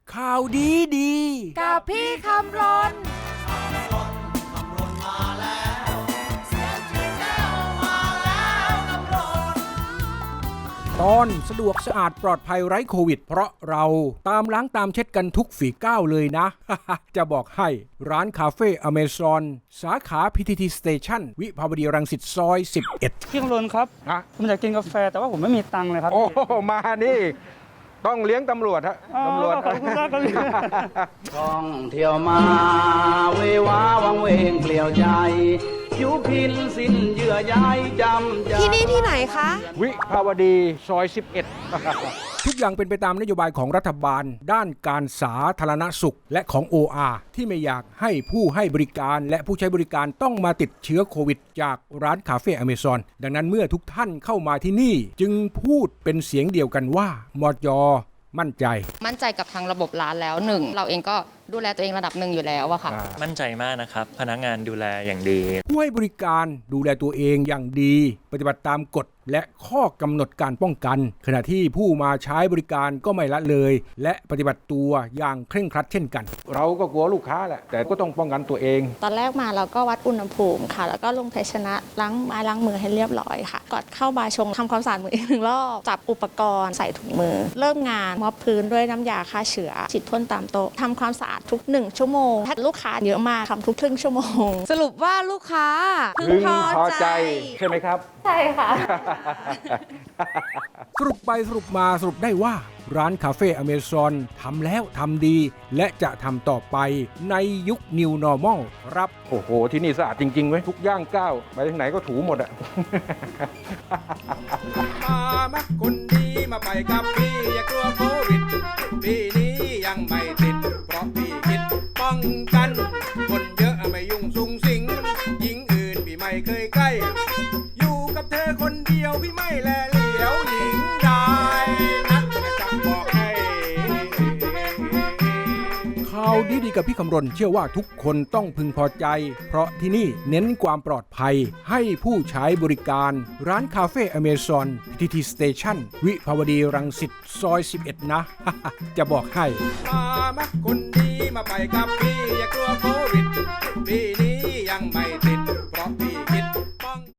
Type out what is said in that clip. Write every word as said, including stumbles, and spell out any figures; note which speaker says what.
Speaker 1: ข่าวดีดี
Speaker 2: กับพี่คำรน
Speaker 1: ตอนสะดวกสะอาดปลอดภัยไร้โควิดเพราะเราตามล้างตามเช็ดกันทุกฝีก้าวเลยนะ จะบอกให้ร้านคาเฟ่อเมซอนสาขา พี ที ที Station วิภาวดีรังสิตซอยสิบเอ็ด
Speaker 3: พี่คำรณครับผมอยากกินกาแฟแต่ว่าผมไม่มีตังค์เลยครับ
Speaker 4: โอ้มานี่ต้องเลี้ยงตำรวจฮะตำรวจ
Speaker 3: ขอบคุณมากครับ
Speaker 5: ท่องเที่ยวมาเววาวังเวงเปลี่ยวใจผิวพินสิ้นเยื่อใยจำใจ
Speaker 2: ที่นี่ที่ไหนคะ
Speaker 4: วิภาวดีซอยสิบเอ็ด
Speaker 1: ทุกอย่างเป็นไปตามนโยบายของรัฐบาลด้านการสาธารณสุขและของ โอ อาร์ ที่ไม่อยากให้ผู้ให้บริการและผู้ใช้บริการต้องมาติดเชื้อโควิดจากร้านคาเฟ่อเมซอนดังนั้นเมื่อทุกท่านเข้ามาที่นี่จึงพูดเป็นเสียงเดียวกันว่ามจ.มั่นใจ
Speaker 6: มั่นใจกับทางระบบร้านแล้วหนึ่งเราเองก็ดูแลตัวเองระดับหนึ่งอยู่แล้วอะค่ะ
Speaker 7: มั่นใจมากนะครับพนักงานดูแลอย่างดี
Speaker 1: ผู้ให้บริการดูแลตัวเองอย่างดีปฏิบัติตามกฎและข้อกำหนดการป้องกันขณะที่ผู้มาใช้บริการก็ไม่ละเลยและปฏิบัติตัวอย่างเคร่งครัดเช่นกัน
Speaker 4: เราก็กลัวลูกค้าแหละแต่ก็ต้องป้องกันตัวเอง
Speaker 8: ตอนแรกมาเราก็วัดอุณหภูมิค่ะแล้วก็ลงภาชนะล้างไม้ล้างมือให้เรียบร้อยค่ะก่อนเข้าบาร์ชงทำความสะอาดมืออีกหนึ่งรอบจับอุปกรณ์ใส่ถุงมือเริ่มงานมอบพื้นด้วยน้ำยาฆ่าเชื้อฉีดพ่นตามโต๊ะทำความสะอาดทุกหนึ่งชั่วโมงถ้าลูกค้าเยอะมากทำทุกครึ่งชั่วโมง
Speaker 2: สรุปว่าลูกค้าพึงพอใจ
Speaker 4: ใช่ไหมครับ
Speaker 8: ใช่ค่ะ
Speaker 1: สรุปไปสรุปมาสรุปได้ว่าร้านคาเฟ่อเมซอนทำแล้วทำดีและจะทำต่อไปในยุค New Normal ครับ
Speaker 4: โอ้โหที่นี่สะอาดจริงๆเว้ยทุกย่างก้าวไปทางไหนก็ถูหมดอะ
Speaker 1: มามักคนดีมาไปกับพี่อย่ากลัวโควิดปีนี้ยังไม่ติดเพราะพี่คิดป้องกันคนเยอะไม่ยุ่งสุงสิงหญิงอื่นพี่ไม่เคยใกล้อยู่กับเธอคนเดียวพี่ไม่แลเหลียวหญิงได้นะจะบอกให้ข่าวดีๆกับพี่คำรณเชื่อว่าทุกคนต้องพึงพอใจเพราะที่นี่เน้นความปลอดภัยให้ผู้ใช้บริการร้านคาเฟ่อเมซอน พี ที ที Station วิภาวดีรังสิตซอยสิบเอ็ดนะ จะบอกให้มามักคนดีมาไปกับพี่อย่ากลัวโควิดปีนี้